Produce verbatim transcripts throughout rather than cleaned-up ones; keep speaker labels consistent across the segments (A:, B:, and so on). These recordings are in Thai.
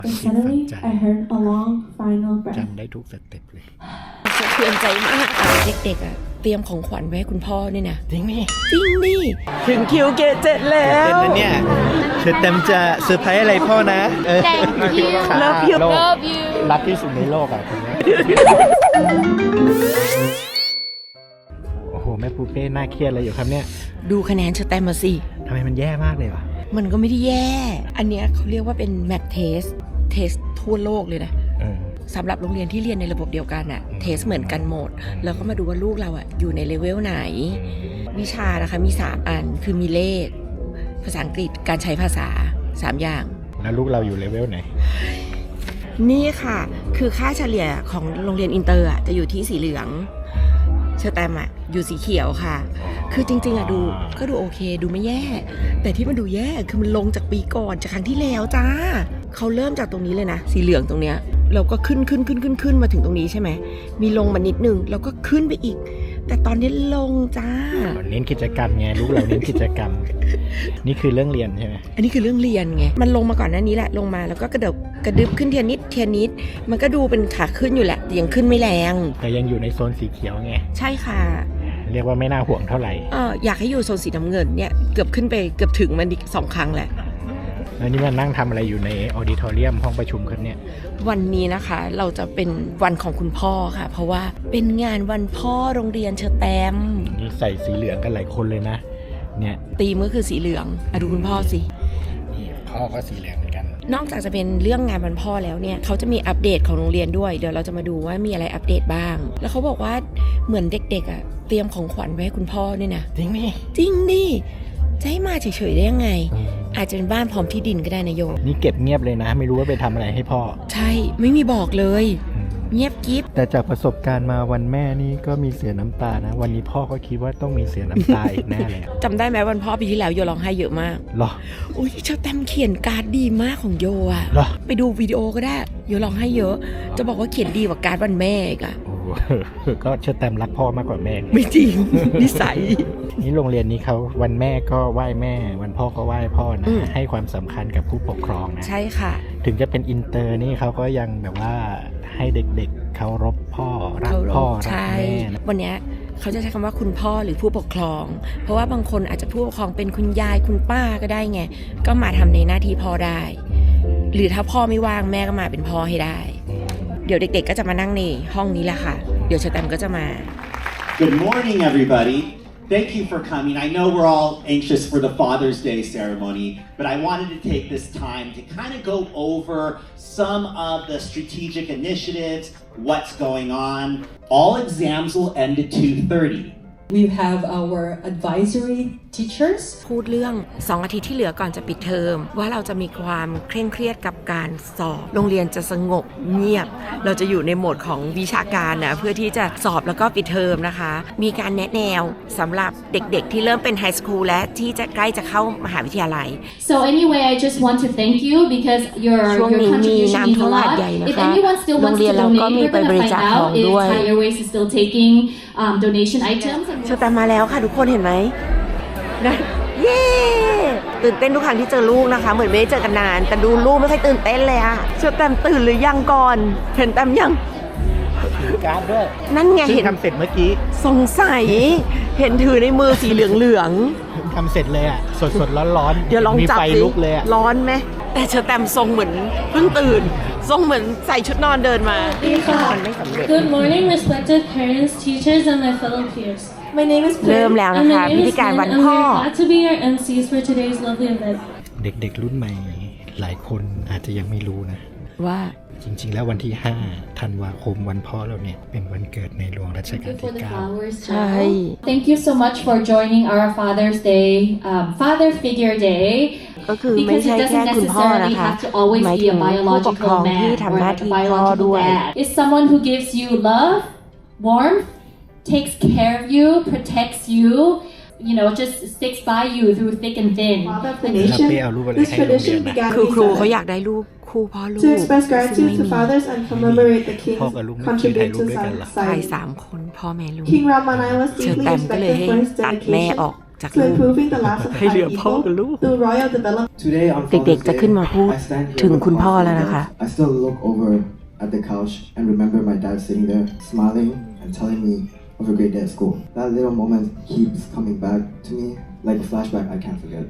A: Then suddenly, I heard a long final breath.
B: จำได้ทุกสเต็ปเลย
C: สะเทือนใจมากเด็กๆอ่ะเตรียมของขวัญไว้ให้คุณพ่อนี่นะ
B: จริงนี่
C: จริงดิถึงคิวเกตเจ็ดแล้
B: เต้น
C: ว
B: นะเนี่ยเธอเต็มจะเซอร์ไพรส์อะไรพ่อนะเออ
D: Thank you
C: Love you
D: Love you
B: รักที่สุดในโลกอ่ะคนนี้โอ้โหแม่ปูเป้น่าเครียดเลยอยู่ครับเนี่ย
C: ดูคะแนนเชอร์แตมมาสิ
B: ทำไมมันแย่มากเลยวะ
C: มันก็ไม่ได้แย่ อันเนี้ยเขาเรียกว่าเป็นแมทเทสเทสทั่วโลกเลยนะ
B: เออ
C: สำหรับโรงเรียนที่เรียนในระบบเดียวกันอะเทสเหมือนกันหมด แล้วก็มาดูว่าลูกเราอะอยู่ในเลเวลไหน วิชานะคะมีสามอันคือมีเลขภาษาอังกฤษการใช้ภาษาสามอย่าง
B: แล้วลูกเราอยู่เลเวลไหน
C: นี่ค่ะคือค่าเฉลี่ยของโรงเรียนอินเตอร์อะจะอยู่ที่สีเหลืองเชอร์แตมอะอยู่สีเขียวค่ะ คือจริงๆอะดูก็ดูโอเคดูไม่แย่ แต่ที่มันดูแย่คือมันลงจากปีก่อนจากครั้งที่แล้วจ้าเขาเริ่มจากตรงนี้เลยนะสีเหลืองตรงเนี้ยเราก็ขึ้นขึ้นขึ้นขึ้นขึ้นมาถึงตรงนี้ใช่ไหมมีลงมานิดนึงแล้วก็ขึ้นไปอีก แต่ตอนนี้ลงจ้า
B: เน้นกิจกรรมไงลูกเราเน้นกิจกรรม นี่คือเรื่องเรียนใช่ไหม
C: อันนี้คือเรื่องเรียนไงมันลงมาก่อนหน้านี้แหละลงมาแล้วก็กระเดบกระดึบขึ้นเทียนิดเทียนิดมันก็ดูเป็นขาขึ้นอยู่แหละแต่ยังขึ้นไม่แรง
B: แต่ยังอยู่ในโซนสีเขียวไง
C: ใช่ค่ะ
B: เรียกว่าไม่น่าห่วงเท่าไหร่
C: เอออยากให้อยู่โซนสีน้ำเงินเนี่ยเกือบขึ้นไปเกือบถึงมันอีกสองครั้งแหละ
B: แล้วนี่มันนั่งทำอะไรอยู่ในออดิทอเรียมห้องประชุมครับเนี่ย
C: วันนี้นะคะเราจะเป็นวันของคุณพ่อค่ะ เพราะว่าเป็นงานวันพ่อโรงเรียนเชอแตม
B: นี่ใส่สีเหลืองกันหลายคนเลยนะเนี่ย
C: ตีมก็คือสีเหลืองอะดูคุณพ่อสิ
B: นี่พ่อก็สีเหลืองเหมือนกัน
C: นอกจากจะเป็นเรื่องงานวันพ่อแล้วเนี่ยเขาจะมีอัปเดตของโรงเรียนด้วยเดี๋ยวเราจะมาดูว่ามีอะไรอัปเดตบ้าง แล้วเขาบอกว่าเหมือนเด็กๆอ่ะเตรียมของขวัญไว้ให้คุณพ่อเนี่ยนะ
B: จริงนี่
C: จริงดิจะให้มาเฉยๆได้ยังไง อาจจะเป็นบ้านพร้อมที่ดินก็ได้นะโย
B: นี่เก็บเงียบเลยนะ ไม่รู้ว่าไปทำอะไรให้พ่อ
C: ใช่ไม่มีบอกเลยเงียบกิ๊บ
B: แต่จากประสบการณ์มาวันแม่นี่ก็มีเสียน้ำตานะ วันนี้พ่อก็คิดว่าต้องมีเสียน้ำตาอีกแน่เลย
C: จำได้ไหมวันพ่อปีที่แล้วโยร้องไห้เยอะมาก
B: หรอ
C: อุ้ยเชอแตมเขียนการ์ดดีมากของโยอะ
B: หรอ
C: ไปดูวิดีโอก็ได้โยร้องไห้เยอะ จะบอกว่าเขียนดีกว่าการ์ดวันแม่อีกอะ
B: โอ้โหก็เชื่อแตมรักพ่อมากกว่าแม่
C: ไม่จริง นิสัย
B: นี่โรงเรียนนี้เขาวันแม่ก็ไหว้แม่ วันพ่อก็ไหว้พ่อนะ
C: อืม
B: ให้ความสำคัญกับผู้ปกครองนะ
C: ใช่ค่ะ
B: ถึงจะเป็นอินเตอร์นี่เขาก็ยังแบบว่าให้เด็กๆเคารพพ่อรัก
C: เคารพ
B: พ่อรัก
C: ใช่
B: แม่นะ
C: วันเนี้ยเขาจะใช้คำว่าคุณพ่อหรือผู้ปกครอง เพราะว่าบางคนอาจจะผู้ปกครองเป็นคุณยายคุณป้าก็ได้ไง ก็มาทำในหน้าที่พ่อได้ หรือถ้าพ่อไม่ว่างแม่ก็มาเป็นพ่อให้ได้ เดี๋ยวเด็กๆก็จะมานั่งในห้องนี้แหละค่ะ เดี๋ยวเชอแตมก็จะมา
E: Good morning, everybody. Thank you for coming. I know we're all anxious for the Father's Day ceremony, but I wanted to take this time to kind of go over some of the strategic initiatives, what's going on. All exams will end at two thirty.
A: We have our advisory teachers.
C: พูดเรื่องสองอาทิตย์ที่เหลือก่อนจะปิดเทอมว่าเราจะมีความเคร่งเครียดกับการสอบโรงเรียนจะสงบเงียบ เราจะอยู่ในโหมดของวิชาการนะเพื่อที่จะสอบแล้วก็ปิดเทอมนะคะ มีการแนะแนวสำหรับเด็กๆที่เริ่มเป็นไฮสคูลและที่จะใกล้จะเข้ามหาวิทยาลัย
D: So anyway, I just want to thank you because your
C: ช่วง
D: your
C: นี้มี
D: contribution
C: น้ำ
D: means
C: ท่ว
D: a
C: มหาด
D: lot.
C: ใหญ่นะ
D: If
C: คะ
D: anyone still
C: โรง
D: wants
C: เรีย
D: to
C: นเราก็
D: donate,
C: มี
D: we're
C: ไปบ
D: gonna
C: ริ
D: find
C: จาคของ
D: out if
C: ด้วย
D: Thai Airways is still taking um, donation items.
C: เชอแตมมาแล้วค่ะทุกคนเห็นไหมนะเย้ตื่นเต้นทุกครั้งที่เจอลูกนะคะ เหมือนไม่ได้เจอกันนาน แต่ดูลูกไม่ค่อยตื่นเต้นเลยอะเชอแตมตื่นหรือยังก่อนเห็นแตมยัง
B: ถือการ์ดด้วย
C: นั่นไง
B: ซึ่ง
C: เห็น
B: ทำเสร็จเมื่อกี้
C: สงสัยเห็นถือในมือสีเหลืองเหลือง
B: ทำเสร็จเลยอ่ะ สดๆร้อนๆ
C: เดี๋ยวลอง
B: มี
C: จับ
B: ไฟ
C: สิ
B: ลุกเลยอ่ะ
C: ร้อนไหมแต่เชอแตมทรงเหมือนเพิ่งตื่น ทรงเหมือนใส่ชุดนอนเดินมามันไม่สำเร็จ
F: Good morning, respected parents, teachers, and my fellow peers. My name is
C: เริ่
F: Prim,
C: มแล้วนะ
F: and
C: คะ
F: my
C: พิ
F: name
C: ธี
F: is
C: การ
F: Lynn,
C: วัน
F: and
C: พ่อ
F: we're glad to be your เอ็ม ซี for today's lovely event.
B: เด็กๆรุ่นใหม่หลายคนอาจจะยังไม่รู้นะ
C: ว่า
B: จริงๆแล้ววันที่ห้าธันวาคมวันพ่อเราเนี่ยเป็นวันเกิดในหลวงรัชกาล
D: Thank you for
B: ที่
D: the
B: เก้า
D: flowers.
C: ใช่
D: Thank you so much for joining our Father's Day, um, Father Figure Day.
C: ก็คือไม่
D: Because
C: ใช่
D: it
C: แค่
D: doesn't
C: คุณพ่อ
D: necessarily
C: นะคะ
D: have to always
C: หมาย
D: be
C: ถึ
D: a
C: งผู้ปกครอง
D: biological
C: ที่
D: man
C: ทำ
D: or
C: หน้า
D: like a
C: ที่พ่อ
D: biological
C: ด้วย
D: dad. It's someone who gives you love, warmth, takes care of you, protects you, you know, just sticks by you through thick and thin.
G: Father of the
B: แล้ว
G: nation,
B: เป้เอารูปอะไร
G: this
B: ให้โรงเรียน
G: tradition
B: นะ
G: began
C: คือครูเขา
G: recently
C: อยากได้รูปคู่พ่อลูก
G: to express
C: ซึ่ง
G: gratitude
C: ไม่
G: to
C: มี
G: fathers and commemorate the king's
B: พ่อกับลูกไม่เคยถ่ายรูป
G: contributions
B: ด้วยกันเหรอ
G: to
C: ถ่าย
G: society.
C: สามคนพ่อแม่ลูก
G: King Ramanai was
C: เชอ
G: deeply
C: แตมก็เลย
G: respected
C: ให้
G: for his
C: ตัดแม่ออก
G: dedication
C: จาก
G: to
C: ลูก
G: improving the lives of
C: ให้เหลือ
G: Thai
C: พ่อกับ
G: people
C: ลูก
G: through royal development.
H: Today on
C: เด็ก
H: Father's
C: ๆจะขึ้น
H: Day,
C: มาพูด
H: I stand here
C: ถึง
H: with
C: คุณ
H: my
C: พ่อ
H: father.
C: แล้วนะคะ
H: I still look over at the couch and remember my dad sitting there, smiling and telling me of a great day at school. That little moment keeps coming back to me like a flashback I can't forget.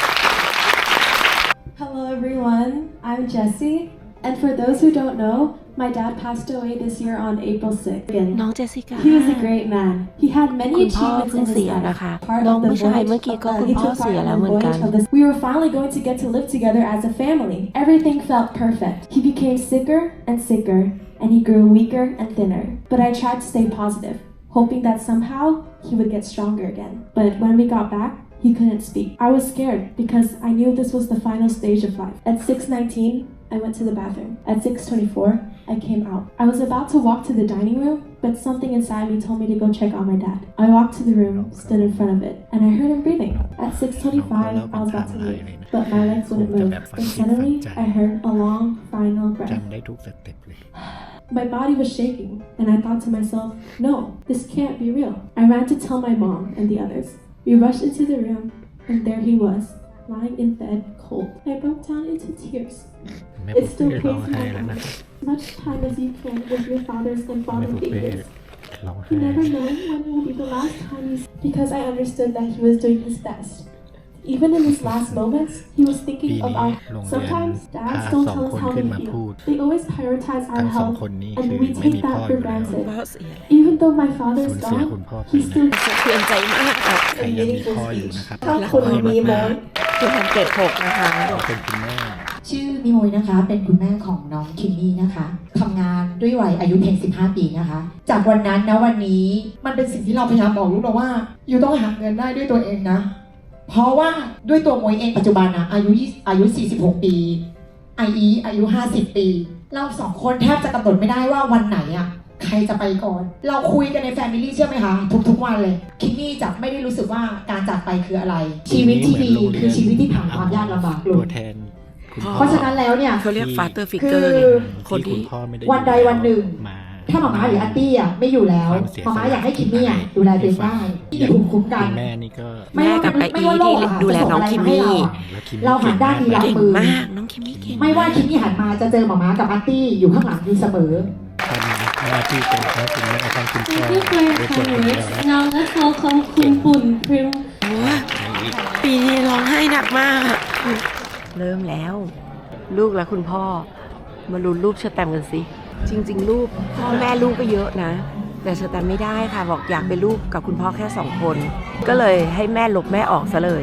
F: Hello everyone, I'm Jessie. And for those who don't know, my dad passed away this year on April sixth.
C: น้องเจสสิก้า
F: He was a great man. He had many
C: คุณพ่อ
F: achievements
C: เพิ่ง
F: in his
C: เสีย
F: life.
C: นะคะ
F: Part
C: น้อง
F: of the
C: ผู้ชาย
F: voyage
C: เมื่อกี้
F: of
C: ก็
F: the-
C: คุณ
F: he
C: พ่อ
F: took
C: เสีย
F: part in
C: แล้ว
F: the
C: เหมือนกัน
F: voyage of this. We were finally going to get to live together as a family. Everything felt perfect. He became sicker and sicker, and he grew weaker and thinner. But I tried to stay positive, hoping that somehow he would get stronger again. But when we got back, he couldn't speak. I was scared because I knew this was the final stage of life. At six nineteen, I went to the bathroom. At six twenty-four, I came out. I was about to walk to the dining room, but something inside me told me to go check on my dad. I walked to the room, stood in front of it, and I heard him breathing. At six twenty-five, I was about to leave, but my legs wouldn't move. And suddenly, I heard a long, final breath.
B: จำได้ทุกสเต็ปเลย
F: My body was shaking, and I thought to myself, no, this can't be real. I ran to tell my mom and the others. We rushed into the room, and there he was, lying in bed, cold. I broke down into tears.
B: แม่
F: It
B: ปุ๊ก
F: still
B: เป้ร้อง
F: pains
B: ไห้
F: my
B: แล้วนะ
F: heart. As much time as you can with your fathers and
B: แม่
F: father
B: ปุ๊กเป้
F: figures.
B: ร้อง
F: You
B: ไห้
F: never know when will be the last time you because I understood that he was doing his best. Even in his last moments, he was
B: ปี
F: thinking of
B: นี้
F: our
B: โรงเรียน
F: sometimes
B: พา
F: dads don't
B: สอง
F: tell us
B: คน
F: how
B: ขึ้น
F: they
B: มา
F: feel.
B: พูด
F: They always prioritize
B: ทั้
F: our
B: งสอง
F: health
B: คนนี้
F: and
B: คือ
F: we
B: ไม่มี
F: take
B: พ่อ
F: that
B: อ
F: for
B: ยู่แล้ว
F: granted.
C: พ่อเสีย
F: Even though my father
B: สู
F: is
B: ญเสีย
F: gone,
B: คุณพ่อไป
F: he
B: นะ
F: still
C: สะเทือนใจมากอะ
B: ใครยังมีพ่ออยู่นะครับ
G: ถ้าคุณมีมน
C: คือทำเกรดหกนะคะ
B: เป็นคุณแม่
I: ชื่อมิโมยนะคะเป็นคุณแม่ของน้องคิมมี่นะคะทำงานด้วยวัยอายุเพียงสิบห้าปีนะคะ จากวันนั้นนะวันนี้มันเป็นสิ่งที่เราพยายามบอกลูกเราว่าอยู่ต้องหาเงินได้ด้วยตัวเองนะเพราะว่าด้วยตัวมวยเองปัจจุบันนะอายุอายุสี่สิบหกปีไออีอายุห้าสิบปีเราสองคนแทบจะกำหนดไม่ได้ว่าวันไหนอะใครจะไปก่อน เราคุยกันในแฟมิลี่เชื่อไหมคะทุกๆวันเลยคิมมี่จะไม่ได้รู้สึกว่าการจากไปคืออะไร ชีวิตที่ดีคือชีวิตที่ผ่านความยากลำบากล
B: ตั
I: ง
B: วแทนคุณพ่อ
I: เพราะฉะนั้นแล้วเนี่ย
C: เขาเรียก father
I: คื
C: figure
I: อ
C: ไงคน
B: ที่
C: ที่
B: คุณพ่อไม่ได้
I: วันใดวันหนึ่ง
B: มา
I: ถ้าหมาม้าหรืออาร์ตี้อ่ะไม่อยู่แล้วหมาม้าอยากให้คิมมี่อ่ะดูแลตัวเองได้ที่มีภูมิคุ้มกัน
B: คุณแม่นี่ก็
C: แม่กับไออีที่ดูแลน้องคิมมี่
B: แล้วคิม
I: เราหันด้านดีรับ
C: เก่ง
I: มือ
C: มาก น้องคิมมี่เก่ง
I: ไม่ว่าคิมมี่หันมาจะเจอหมาม้ากับอาร์ตี้อยู่ข้างหลังอยู่เสมอ
B: ทำหน้าที่เป็นทั้งคุณแม่ทั้งคุณพ่อ
F: Thank you for your
B: ด้วยตัวคนเดียว
F: kind
B: นะ
F: words. Now let's welcome Kun Pun Prim.
C: โอ้ยปีนี้ร้องไห้หนักมาก เริ่มแล้ว ลูกและคุณพ่อ มาลุ้นรูปเชอร์แตมกันสิ จริงๆ รูปพ่อแม่ลูกก็เยอะนะ แต่เชอร์แตมไม่ได้ค่ะ บอกอยากเป็นลูกกับคุณพ่อแค่สองคน ก็เลยให้แม่ลบแม่ออกซะเลย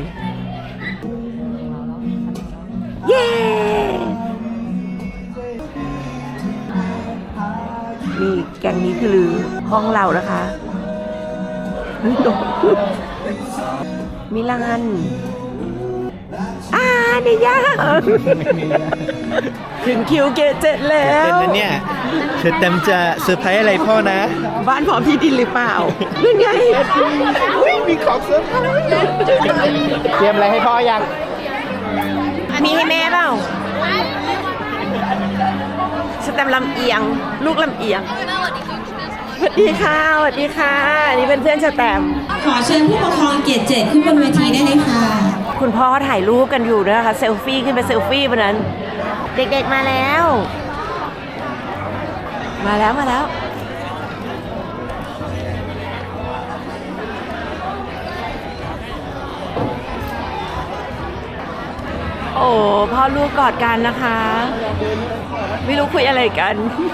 C: เย้ นี่แกงนี้คือห้องเรานะคะมิลานอ่าเนี่ยยากถึงคิวเกตเจ็ดแล้
B: เต้น
C: ว
B: นะเนี่ยเธอเต็มจะเซอร์ไพรส์อะไรพ่อนะ
C: บ้านพร้อมที่ดินหรือเปล่านั่นไง
B: มีของเซอร์ไพรส์เตรียมอะไรให้พ่อยัง
C: มีให้แม่เปล่าสแตมลำเอียง ลูกลำเอียงสวัสดีค่ะสวัสดีค่ะอันนี้เป็นเพื่อนสแตม
J: ขอเชิญผู้ปกครองเกียรติเจ็ดขึ้นบนเวทีได้เลยค่ะ
C: คุณพ่อถ่ายรูปกันอยู่นะคะเซลฟี่ขึ้นไปเซลฟี่วันนั้น เด็กๆมาแล้ว มาแล้วมาแล้ว โอ้พ่อลูกกอดกันนะคะ ไม่รู้คุยอะไรกัน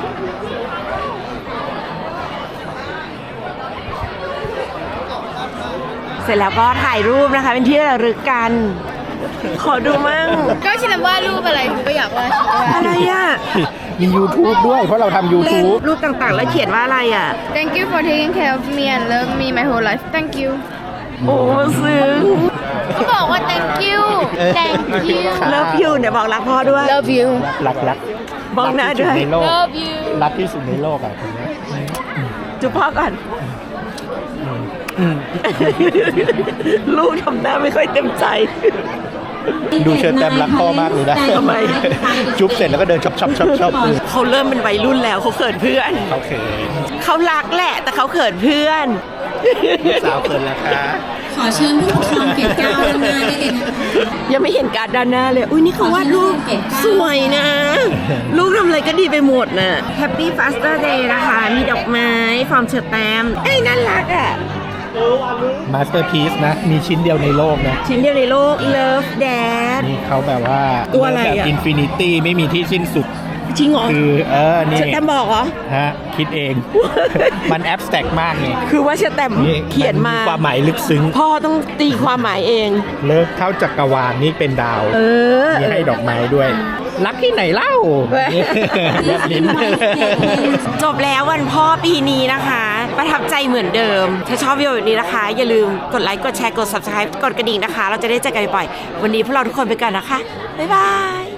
C: เสร็จแล้วก็ถ่ายรูปนะคะเป็นที่ระลึกกัน ขอดูมั่ง
K: ก็ชินว่ารูปอะไรหนูก็อยากว่า
C: อะไรอ่ะ
B: มี YouTube ด้วยเพราะเราทำ YouTube
C: รูปต่างๆ แล้วเขียนว่าอะไรอ่ะ
K: Thank you for taking care of me and love me my whole life Thank you
C: โอ้ซึ้ง
K: เขาบอกว่า thank you thank you
C: เลิฟยูเนี่ยบอกรักพ่อด้วย
K: love you
B: รักรัก
C: บอกหน้าด้วย
B: ในโลก
K: love you
B: รักที่สุดในโลกอ่ะคนนี้
C: จุ๊บพ่อก่อน ลูกทำหน้าไม่ค่อยเต็มใจ
B: ดูเชิญแต้มรักพ่อมากเลยนะ
C: ทำไม
B: จุ๊บเสร็จแล้วก็เดินชอบชอบชอบชอบ
C: เขาเริ่มเป็นวัยรุ่นแล้วเขาเขินเพื่อน
B: โอเค
C: เขารักแหละแต่เขาเขินเพื่อน
B: ลูกสาวเขินแล้วค่ะ
J: ขอเชิญผู้ปกครองเกรดเก้าด้านหน้าได้เลยนะคะ
C: ยังไม่เห็นการดด้านหน้าเลย อุ้ยนี่เขาวาดรูปสวยนะ ลูกทำอะไรก็ดีไปหมดน่ะ Happy Father's Day นะคะ มีดอกไม้ฟอร์มเชอร์แตมเอ้ยน่ารักอ่ะ
B: มาสเตอร์พีซนะ มีชิ้นเดียวในโลกนะ
C: ชิ้นเดียวในโลก Love Dad
B: นี่เขาแบบว่า
C: ตัวอะไรอะ
B: แบบอินฟินิตี้ไม่มีที่สิ้นสุด
C: จริงเหรอ
B: คือเออ นี่
C: เชอร์แตมบอกเหรอ
B: ฮะ คิดเอง มันแอบสแต็กมากไง
C: คือว่าเชอร์แตมเขียนมา
B: ความหมายลึกซึ้ง
C: พ่อต้องตีความหมายเอง
B: เลิกเข้าจักรวาลนี่เป็นดาว
C: เออ
B: มีให้ดอกไม้ด้วย รักที่ไหนเล่าแบบลิ้น
C: จบแล้ววันพ่อปีนี้นะคะ ประทับใจเหมือนเดิม ถ้าชอบวิดีโอแบบนี้นะคะ อย่าลืมกดไลค์ กดแชร์ กด ซับสไครบ์ กดกระดิ่งนะคะ เราจะได้เจอกันบ่อยๆวันนี้พวกเราทุกคนไปก่อนนะคะ บ๊ายบาย